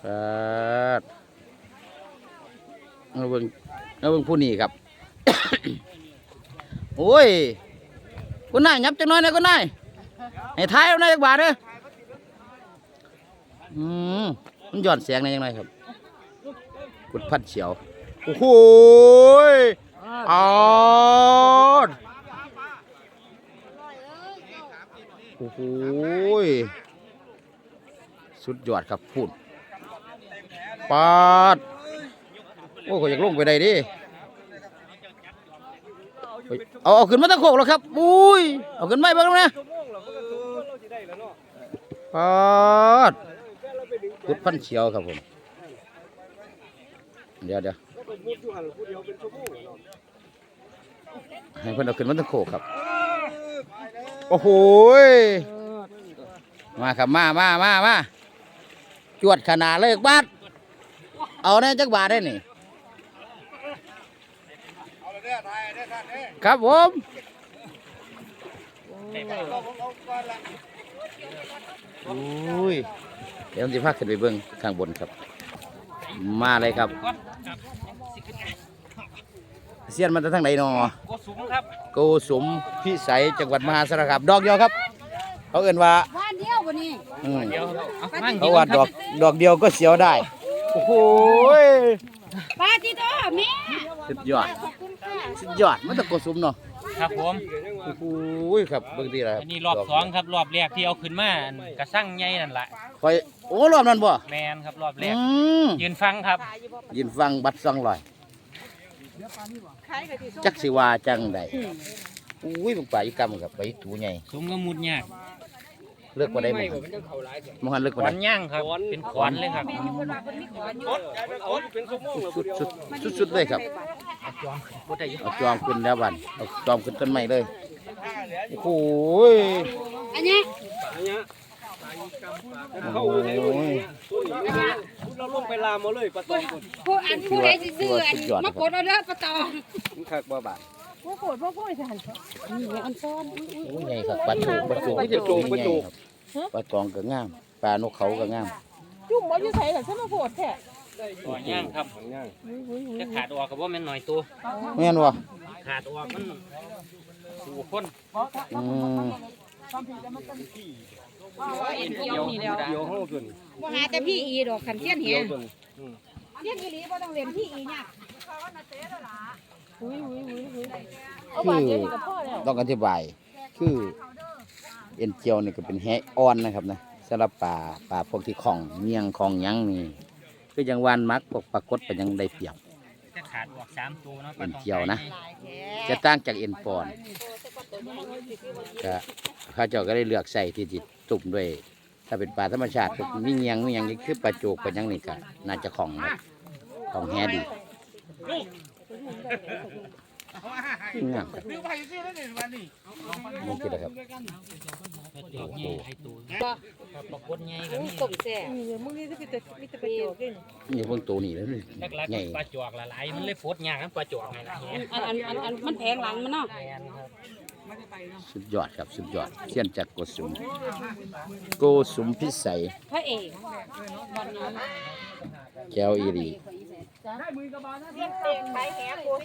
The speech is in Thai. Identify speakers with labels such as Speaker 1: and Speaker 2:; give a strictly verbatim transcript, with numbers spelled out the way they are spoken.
Speaker 1: ครับเอาเบิ่งเอาเบิ่งผู้นี้ครับ โอ้ยคุณนายยับจังน้อยนะคุณนายให้ท้ายเอาหน่อยจักบาทเด้ออืมมันหย่อนเสียงในยังไงครับกุดพัดเฉียวโอ้โหอ๋อโอ้โหสุดยอดครับพูดปาดโอ้ก็อยากลงไปได้ดิเอาเอาขึ้นมาตะโขกแล้วครับอุ้ยเอาขึ้นไม่บ้างนะปาดพุดพันเฉียวครับผมเดี๋ยวเดี๋ยวให้เพื่อนเอาขึ้นมาตะโขกครับโอ้โหมาครับมามามามาจวดขนาดเลยบาทเอาแน่จักบาทได้นี่ครับผมอุ้ยเดี๋ยวผมจะพาขึ้นไปเบิ้งข้างบนครับมาเลยครับเสียนมันจะทั้งไหนนอโกสุมครับโกสุมพิสัยจังหวัดมหาสารคามดอกเดียวครับเขาเอ่นว่าบ้านเดียววันนี้เขาว่าดอกดอกเดียวก็เสียวได้โอ้โหปาจิโต้แม่สุดยอดสุดยอดมันตะโกสุมเนาะ
Speaker 2: ครับผม
Speaker 1: โอ้โหครับเบิ่งดีแล้ว
Speaker 2: อันนี้รอบสองครับรอบแรกที่เอาขึ้นมากระสั่งใหญ่นั่นแหละ
Speaker 1: คอยโอ้รอบนั้นบ่
Speaker 2: แมนครับรอบแรกยืนฟังครับ
Speaker 1: ยืนฟังบัดซองลอยจักสิว่าจังใดอุ้ยบางป่าอยู่กำกับไปถูใหญ่
Speaker 2: สมก็มุดยาก
Speaker 1: เลือกว่าได้มั้งมหันเลือกว่า
Speaker 2: ได้ขว
Speaker 1: น
Speaker 2: ย่างครับเป็นขวานเลยครับ
Speaker 1: สุดสุดสุดสุดเลยครับเอาจอมขึ้นแล้วบันเอาจอมขึ้นต้นไม้เลยโอ้โหอันนี้โอ้ย
Speaker 3: เราลงไปลามมาเลยปลาตองคน
Speaker 4: ผู้อันผู้ใดสิซื้ออันมากดเอาเด้อปลาตอง
Speaker 3: มันคักบ่บาท
Speaker 4: ผู้โกดผู้ผู้สั่นนี่อันซ้อน
Speaker 1: โอ้ยใหญ่ครับปลาโจกปลาโจกปลาโจกปลาโจกปลาตองก็งามปลานกเขาก็งาม
Speaker 4: จุ่มบ่อยู่ไสล่ะฉันมาโพดแท้
Speaker 2: ขวย่างครับจะขาดออกกับว่ามันหน่อยตัว
Speaker 1: แม่นวะ
Speaker 2: ขาดออกมันสู่คน
Speaker 1: อืม
Speaker 4: เอ็นเกี่ยวนี่แล้วบ่หาแต่พี่อีดอกขันเทียนเหี้ยเทียนอีหลีบ่ต้องเรียนพี่อีเนี่ย
Speaker 1: คือต้องอธิบายคือเอ็นเจียวนี่ก็เป็นแหอ่อนนะครับนะสำหรับปลาปลาพวกที่ของเมียงของยังนี่คือยังวานมักปกปรากฏเป็นยังได้เปรียบ
Speaker 2: จะขาดออกสามตัวเนาะ
Speaker 1: เอ็นเจียวนะจะตั้งจากเอ็นปอนก็ข้าเจ้าก็ได้เลือกใส่ที่จิตตุ่มด้วยถ้าเป็นปลาธรรมชาติมีเงียงมีอย่างนี้คือปลาโจกปลายังนี่ก็น่าจะของของแฮดีงามครับนี่คืออะไรครับ
Speaker 2: ดอกใหญ่ไข่ตัวครับปลากดใหญ่ก็มี
Speaker 4: ต้มแซ่มึงนี่จะมีแต่มีแต่ปลาโจก
Speaker 1: นี่พวกตัวนี้แล้ว
Speaker 2: ใหญ่ปลาจอกละลายมันเลยโฟดยากครับปลาจอกไงล่ะ
Speaker 4: อันอันอันอันมันแพงหลังมันเนาะ
Speaker 1: สุดยอดครับสุดยอดเทียนจากโกสุมโกสุมพิสัย
Speaker 4: พระเอก
Speaker 1: แก้วอีรี